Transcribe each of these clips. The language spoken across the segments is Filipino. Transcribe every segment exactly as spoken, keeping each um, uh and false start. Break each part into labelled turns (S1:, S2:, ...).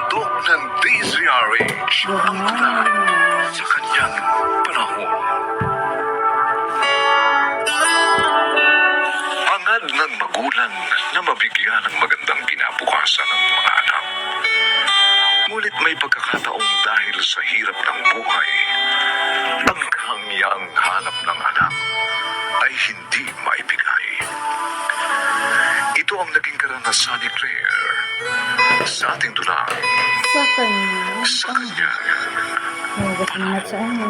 S1: handog ng D Z R H ang lahat sa kanyang panahon. Hangad ng magulang na mabigyan ng magandang kinabukasan ng mga anak. Ngunit may pagkakataong dahil sa hirap ng buhay, ang kahangyang hanap ng anak ay hindi maibigay. Ito ang naging karanasan ni Claire sa ating dulang
S2: Sa kanya.
S1: sa kanya.
S2: Huwag na sa ano.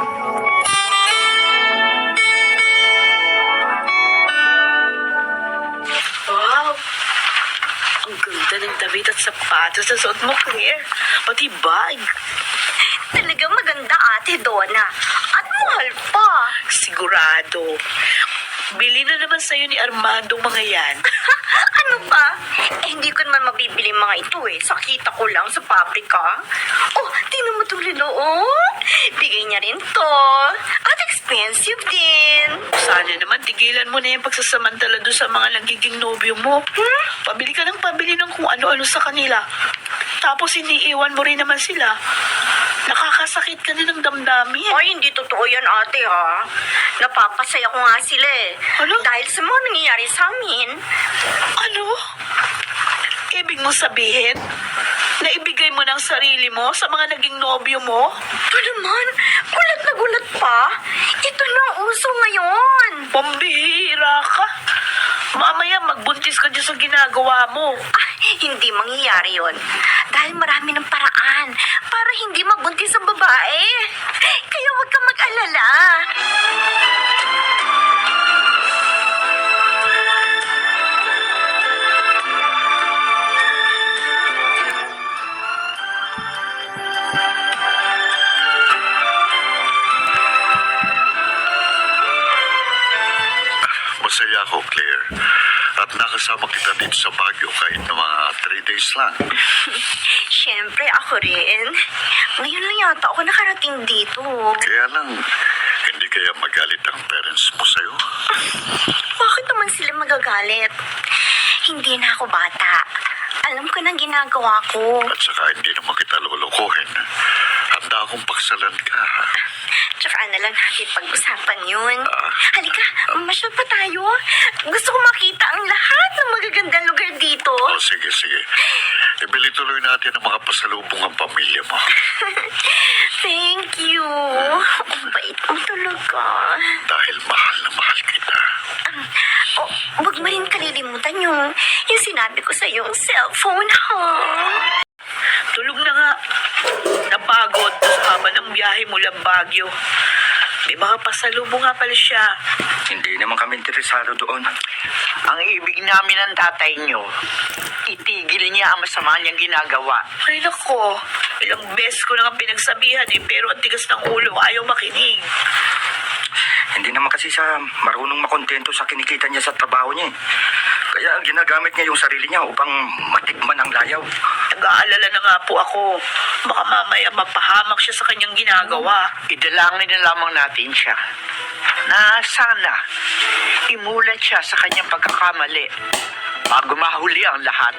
S3: Wow! Ang ganda ng damit at sapatos sa suot mo, Claire. Pati bag.
S4: Talagang maganda, Ate Donna. At mahal pa.
S3: Sigurado. Bili na naman sa'yo ni Armando mga yan.
S4: Ano pa? Eh, hindi ko naman mabibili mga ito eh. Sakita ko lang sa pabrika. Oh, tingnan mo itong relo, oh. Bigay niya rin to. At expensive din.
S3: Sana naman tigilan mo na yung pagsasamantala doon sa mga nagiging nobyo mo.
S4: Hmm?
S3: Pabili ka ng pabili ng kung ano-ano sa kanila. Tapos iniiwan mo rin naman sila. Nakakasakit ka na ng damdamin.
S4: Ay, hindi totoo yan, ate, ha? Napapasaya ko nga sila eh.
S3: Ano?
S4: Dahil sa mga nangyayari sa amin.
S3: Ano? Ibig mo sabihin, naibigay mo ng sarili mo sa mga naging nobyo mo?
S4: Ito naman, gulat na gulat pa. Ito na ang uso ngayon.
S3: Pambihira ka. Mamaya magbuntis ka dyan sa ginagawa mo.
S4: Ay, hindi mangyayari yon. Dahil marami ng paraan para hindi mabuntis ang babae. Kaya huwag kang mag-alala.
S1: Masaya ako, Claire. At nakasama kita dito sa Baguio kahit na mga three days lang.
S4: Siyempre, ako rin. Ngayon lang yata ako nakarating dito.
S1: Kaya lang, hindi kaya magalit ang parents mo sa'yo?
S4: Bakit naman sila magagalit? Hindi na ako bata. Alam ko nang ginagawa ko.
S1: At saka hindi naman kita lulukuhin. Handa akong paksalan ka.
S4: Tsaka na lang natin pag-usapan yun.
S1: Ah.
S4: Halika, masyal pa tayo. Gusto ko makita ang lahat ng magagandang lugar dito.
S1: O, sige, sige. Ibili tuloy natin ang mga pasalubong ang pamilya mo.
S4: Thank you. Ang bait mo talaga.
S1: Dahil mahal na mahal kita.
S4: Oh, huwag mo rin kalilimutan yung, yung sinabi ko sa yung cellphone, ha?
S3: Tulog na nga. Napagod sa haba ng biyahe mula Baguio. May mga pasalubong nga pala siya.
S5: Hindi naman kami interesado doon.
S6: Ang ibig namin ng tatay nyo, itigil niya ang masama niyang ginagawa.
S3: Ay nako, ilang beses ko na nga pinagsabihan eh, pero ang tigas ng ulo, ayaw makinig.
S5: Hindi naman kasi siya marunong makontento sa kinikita niya sa trabaho niya. eh. Kaya ginagamit niya yung sarili niya upang matikman ang layaw.
S3: Nag-aalala na nga po ako. Baka mamaya mapahamak siya sa kanyang ginagawa.
S6: Idalangin na lamang natin siya na sana imulat siya sa kanyang pagkakamali bago mahuli ang lahat.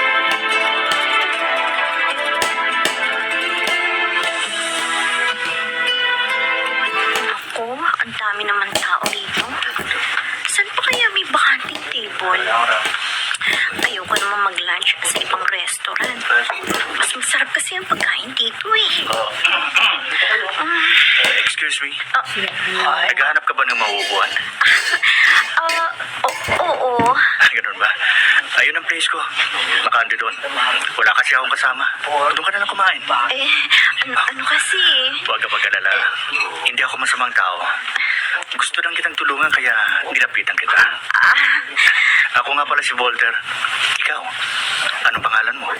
S4: Ako, ang dami naman tao dito. Saan pa kaya may bakanting table? Ayoko naman mag-lunch sa ibang restaurant. Mas masarap kasi ang pagkain dito eh.
S5: Excuse me?
S4: Ah,
S5: Naghahanap ka ba ng mauupuan?
S4: ah, o- oo.
S5: Ganun ba? Ayun ang place ko. Nakandi doon. Wala kasi akong kasama. Doon ka na lang kumain.
S4: Eh, ano, ano kasi?
S5: Huwag ka mag-alala. Hindi ako masamang tao. Gusto lang kitang tulungan kaya nilapitan kita.
S4: Ah,
S5: Ako nga pala si Walter. Ikaw, anong pangalan mo?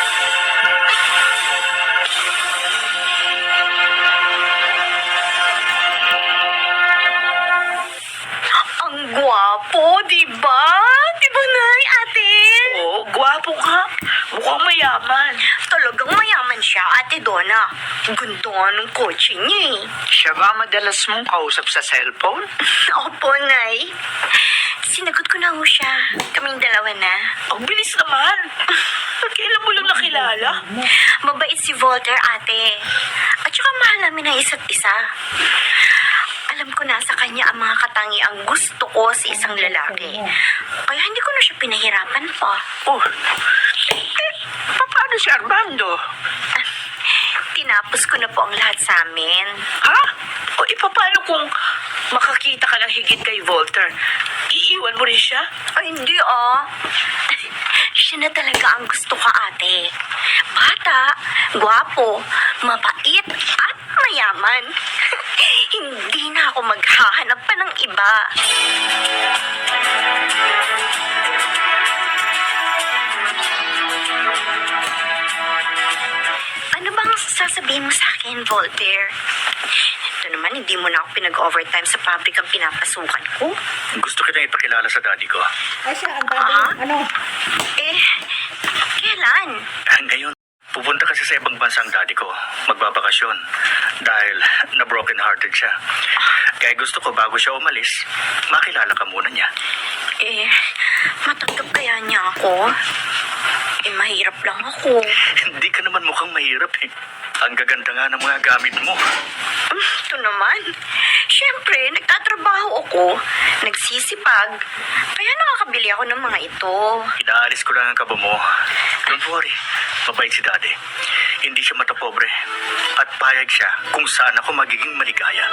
S4: ang gwapo, di ba? Di ba, Nay, ate?
S3: Oo, gwapo ka. Mukhang mayaman.
S4: Talagang mayaman siya at Ate Donna. Ganda ng kotse niya eh.
S6: Siya ba madalas mong kausap sa cellphone?
S4: Opo, Nay. Sinagot ko na ho siya. Kaming dalawa na.
S3: Ang bilis naman. Kailan mo lang nakilala?
S4: Mabait si Voltaire, ate. At saka mahal namin ang isa't isa. Alam ko na sa kanya ang mga katangiang gusto ko sa isang lalaki. Kaya hindi ko na siya pinahirapan pa.
S6: Oh, eh, paano si Armando?
S4: Tinapos ko na po ang lahat sa amin.
S3: Ha? O ipapano kung makakita ka ng higit kay Voltaire? Iiwan mo rin siya?
S4: Ay, hindi ah. Siya na talaga ang gusto ko, ate. Bata, gwapo, mapait, at mayaman. Hindi na ako maghahanap pa ng iba. Ano bang sasabihin mo sa akin, Voltaire? Ito naman, hindi mo na ako pinag-overtime sa pabrikang pinapasukan ko.
S5: Gusto kitang ipakilala sa daddy ko.
S2: Ay siya, ang dami.
S4: Ah?
S2: Ano?
S4: Eh, kailan?
S5: Ngayon, pupunta kasi sa ibang bansa ang daddy ko. Magbabakasyon. Dahil na broken hearted siya. Kaya gusto ko bago siya umalis, makilala ka muna niya.
S4: Eh, matanggap kaya niya ako? Eh, mahirap lang ako.
S5: Hindi ka naman mukhang mahirap eh. Ang gaganda nga ng mga gamit mo.
S4: Hmm, ito naman. Siyempre, nagtatrabaho ako. Nagsisipag. Kaya nakakabili ako ng mga ito.
S5: Inaalis ko lang ang kabo mo. Don't worry. Mabait si daddy. Hindi siya matapobre. At payag siya kung saan ako magiging maligaya.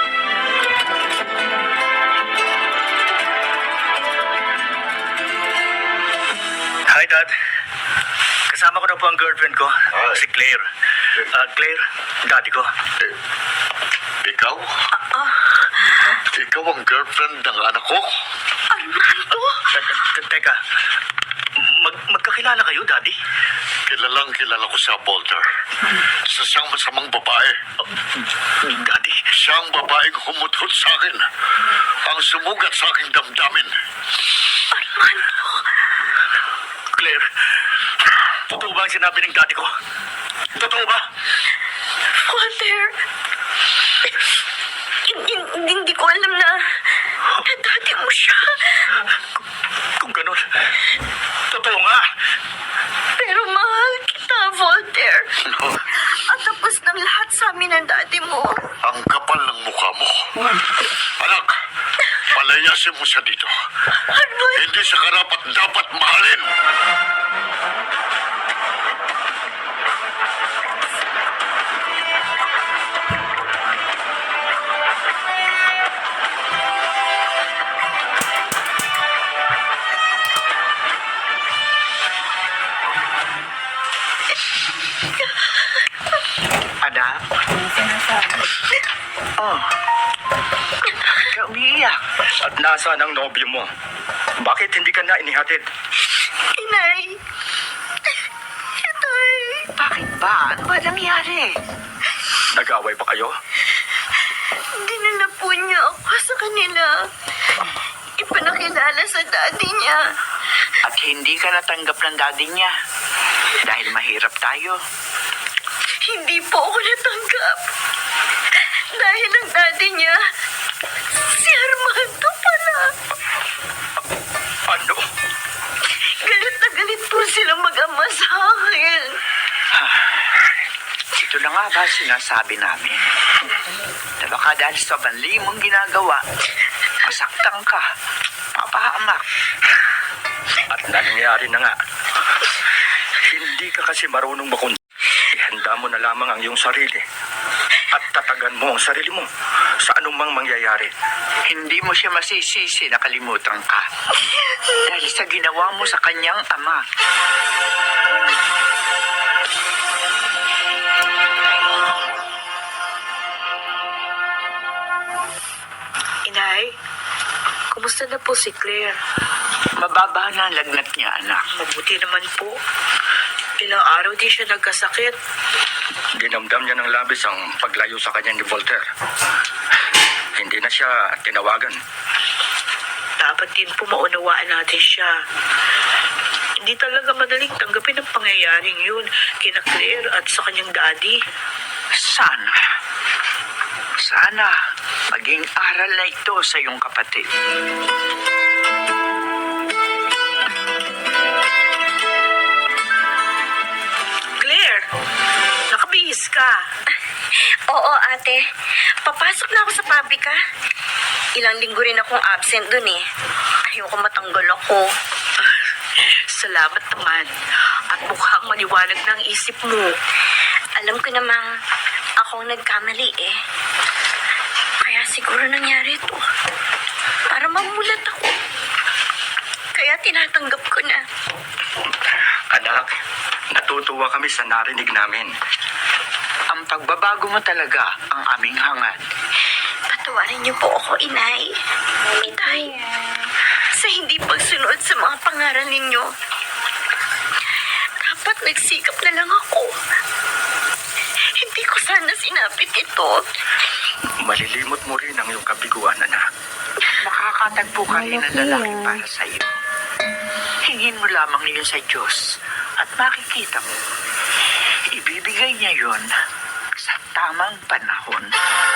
S5: Hi, Dad. Kasama ko na po ang girlfriend ko, si Claire. Ah, Claire, daddy ko.
S1: Ikaw? Ikaw ang girlfriend ng anak ko?
S4: Armando?
S5: Te- te- Teka, mag magkakilala kayo, daddy?
S1: Kilalang kilala ko sa Voltaire. Sa siyang masamang babae.
S5: Daddy,
S1: Siyang babaeng humutot sa akin. Ang sumugat sa aking damdamin.
S4: Armando?
S5: Claire, totoo ba ang sinabi ng daddy ko? Totoo ba?
S4: Voltaire? Hindi, hindi ko alam na na dati mo siya.
S5: Kung ganun, totoo nga.
S4: Pero mahal kita, Voltaire. At tapos ng lahat sa amin ng dati mo.
S1: Ang kapal ng mukha mo. Anak, palayasin mo siya dito.
S4: Armando?
S1: Hindi siya karapat dapat mahalin.
S6: Anak?
S2: Ang sinasabi.
S6: Oh. Ka umiiyak.
S5: At nasaan ang nobyo mo? Bakit hindi ka na inihatid?
S4: Inay. Inay.
S6: Bakit ba? Ano ba nangyari?
S5: Nag-away ba kayo?
S4: Dinala po niya ako sa kanila. Ipanakilala sa daddy niya.
S6: At hindi ka natanggap ng daddy niya. Dahil mahirap tayo.
S4: Hindi po ako natanggap. Dahil ang daddy niya, si Armando pala.
S5: Ano?
S4: Galit na galit po sila mag-ama sa akin.
S6: Ito na nga ba sinasabi namin? Na baka dahil sa banli mong ginagawa, masaktan ka, mapahamak.
S5: At nangyari na nga. Hindi ka kasi marunong makundi. Ihanda mo na lamang ang iyong sarili. At tatagan mo ang sarili mo sa anumang mangyayari.
S6: Hindi mo siya masisisi na kalimutan ka. Dahil sa ginawa mo sa kanyang ama.
S3: Inay, kumusta na po si Claire?
S6: Mababa na ang lagnat niya, anak.
S3: Mabuti naman po. Ilang araw di siya nagkasakit.
S5: Dinamdam niya ng labis ang paglayo sa kanya ni Voltaire. Hindi na siya tinawagan.
S3: Dapat din po maunawaan natin siya. Hindi talaga madaling tanggapin ang pangyayaring yun kina Claire at sa kanyang daddy.
S6: Sana. Sana maging aral na ito sa iyong kapatid.
S3: Claire, nakabihis ka.
S4: Oo, ate. Papasok na ako sa pabrika. Ilang linggo rin akong absent dun eh. Ayoko matanggal ako.
S3: Salamat naman. At mukhang maliwanag na ang isip mo.
S4: Alam ko namang akong nagkamali eh. Kaya siguro nangyari ito. Para mamulat ako. Kaya tinatanggap ko na.
S5: Anak, natutuwa kami sa narinig namin.
S6: Ang pagbabago mo talaga ang aming hangad.
S4: Patawarin niyo po ako, inay. Itay. Sa hindi pagsunod sa mga pangaral ninyo. Dapat nagsikap na lang ako. Hindi ko sana sinapit ito.
S5: Malilimot mo rin ang iyong kabiguan, anak.
S6: Makakatagpo ka rin ng lalaki para sa iyo. Hingin mo lamang yun sa Diyos at makikita mo. Ibibigay niya yon sa tamang panahon.